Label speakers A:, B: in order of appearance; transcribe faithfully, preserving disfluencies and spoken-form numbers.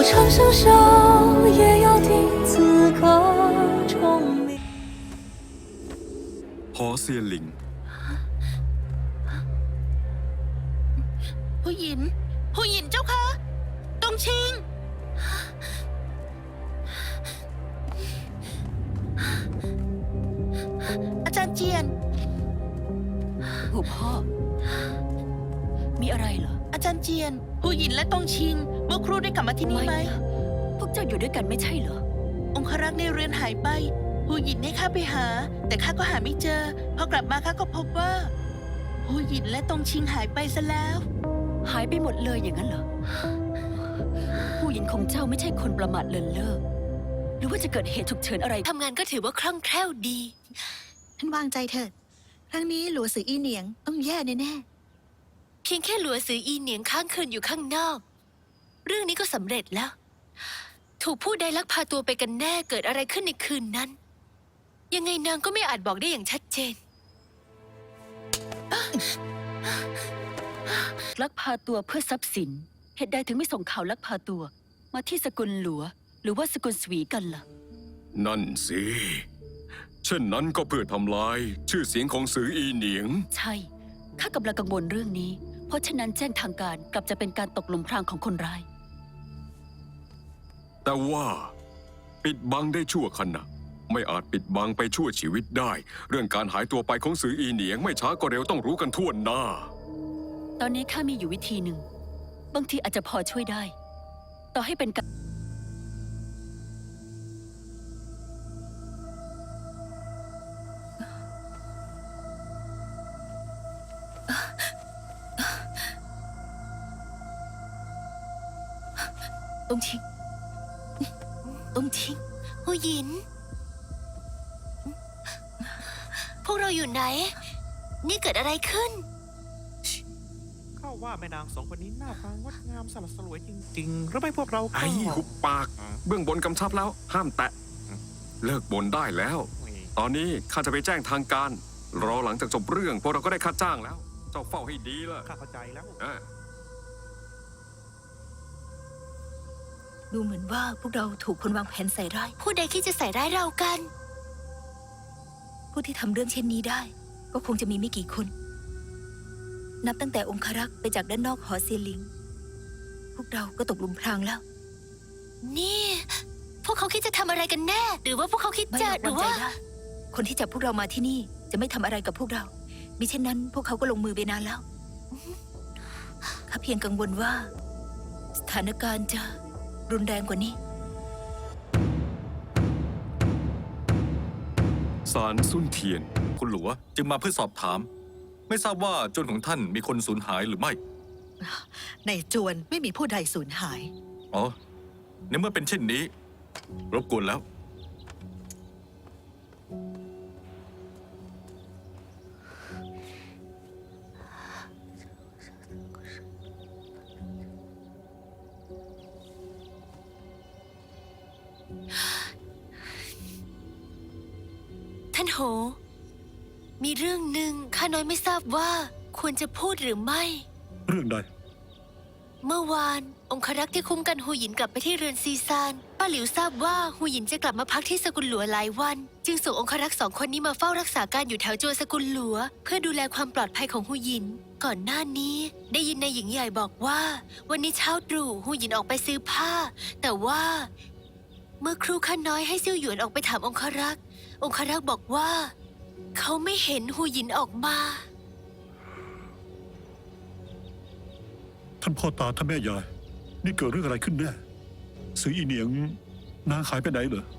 A: 长相守，也要听此刻钟鸣。
B: หอเซียนหลิง
C: ผู้หญินผู้หญินเจ้าคะตงชิงอาจารย์เจียน
D: ผู้พ่อมีอะไรเหรอ
C: อาจารย์เจียนผู้หญินและตงชิงเมื่อครู่ได้กลับมาที่นี่ไหม
D: พวกเจ้าอยู่ด้วยกันไม่ใช่เหรอ
C: องครักษ์ในเรือนหายไปผู้หญินให้ข้าไปหาแต่ข้าก็หาไม่เจอพอกลับมาข้าก็พบว่าผู้หญินและตงชิงหายไปซะแล้ว
D: หายไปหมดเลยอย่างนั้นเหรอผู้หญิงของเจ้าไม่ใช่คนประมาทเลินเล่อหรือว่าจะเกิดเหตุฉุกเฉินอะไร
E: ทำงานก็ถือว่าคล่องแคล่วดี
F: ท่านวางใจเถิดครั้งนี้หลัวสืออีเหนียงต้องแย่แน่
E: ๆเพียงแค่หลัวสืออีเหนียงค้างคืนอยู่ข้างนอกเรื่องนี้ก็สำเร็จแล้วถูกผู้ใดลักพาตัวไปกันแน่เกิดอะไรขึ้นในคืนนั้นยังไงนางก็ไม่อาจบอกได้อย่างชัดเจน
D: ลักพาตัวเพื่อทรัพย์สินเหตุใดถึงไม่ส่งข่าวลักพาตัวมาที่สกุลหลัวหรือว่าสกุลสวีกันล่ะ
B: นั่นสิเช่นนั้นก็เพื่อทำลายชื่อเสียงของสืออีเหนียง
D: ใช่ข้ากำลังกังวลเรื่องนี้เพราะฉะนั้นแจ้งทางการกลับจะเป็นการตกหลุมพรางของคนร้าย
B: แต่ว่าปิดบังได้ชั่วขณะไม่อาจปิดบังไปชั่วชีวิตได้เรื่องการหายตัวไปของสืออีเหนียงไม่ช้าก็เร็วต้องรู้กันทั่วหน้า
D: ตอนนี้ข้ามีอยู่วิธีหนึ่งบางทีอาจจะพอช่วยได้ต่อให้เป็นการ
E: ต้องชิงต้องชิงผู้หญินพวกเราอยู่ไหนนี่เกิดอะไรขึ้น
G: ข้าว่าแม่นางสองคนนี้หน้าตางดงามสลัดสลวยจริงๆหรือไม่พวกเรา
B: ไอ้หุบปากเบื้องบนกำชับแล้วห้ามแตะเลิกบ่นได้แล้วตอนนี้ข้าจะไปแจ้งทางการรอหลังจากจบเรื่องพวกเราก็ได้ค่าจ้างแล้วเจ้าเฝ้าให้ดีล่ะ
G: ข้าเข้าใจแล้ว
F: ดูเหมือนว่าพวกเราถูกคนวางแผนใส่ร้าย
E: ผู้ใดคิดจะใส่ร้ายเรากัน
F: ผู้ที่ทำเรื่องเช่นนี้ได้ก็คงจะมีไม่กี่คนนับตั้งแต่องครักษ์ไปจากด้านนอกหอเซียนหลิงพวกเราก็ตกหลุมพรางแล้ว
E: นี่พวกเขาคิดจะทำอะไรกันแน่หรือว่าพวกเขาคิดจะหรือว่า
F: คนที่จับพวกเรามาที่นี่จะไม่ทำอะไรกับพวกเรามิเช่นนั้นพวกเขาก็ลงมือไปนานแล้วข้าเพียงกังวลว่าสถานการณ์จะรุนแรงกว่านี้
B: ศาลซุนเทียน
H: คุณหลัวจึงมาเพื่อสอบถามไม่ทราบว่าจวนของท่านมีคนสูญหายหรือไม่
I: ในจวนไม่มีผู้ใดสูญหาย
H: อ๋อในเมื่อเป็นเช่นนี้รบกวนแล้ว
E: ท่านโหมีเรื่องหนึ่งข้าน้อยไม่ทราบว่าควรจะพูดหรือไม่
J: เรื่องใด
E: เมื่อวานองครักษ์ที่คุ้มกันหูหยินกลับไปที่เรือนซีซานป้าหลิวทราบว่าหูหยินจะกลับมาพักที่สกุลหลัวหลายวันจึงส่งองครักษ์สองคนนี้มาเฝ้ารักษาการอยู่แถวโจวสกุลหลัวเพื่อดูแลความปลอดภัยของหูหยินก่อนหน้านี้ได้ยินนายหญิงใหญ่บอกว่าวันนี้เช้าตรู่หูหยินออกไปซื้อผ้าแต่ว่าเมื่อครูข้าน้อยให้ซิ่วหยวนออกไปถามองครักษ์องครักษ์บอกว่าเขาไม่เห็นหูหยินออกมา
J: ท่านพ่อตาท่านแม่ยายนี่เกิดเรื่องอะไรขึ้นแน่สืออีเหนียงนางหายไปไหนเหรอ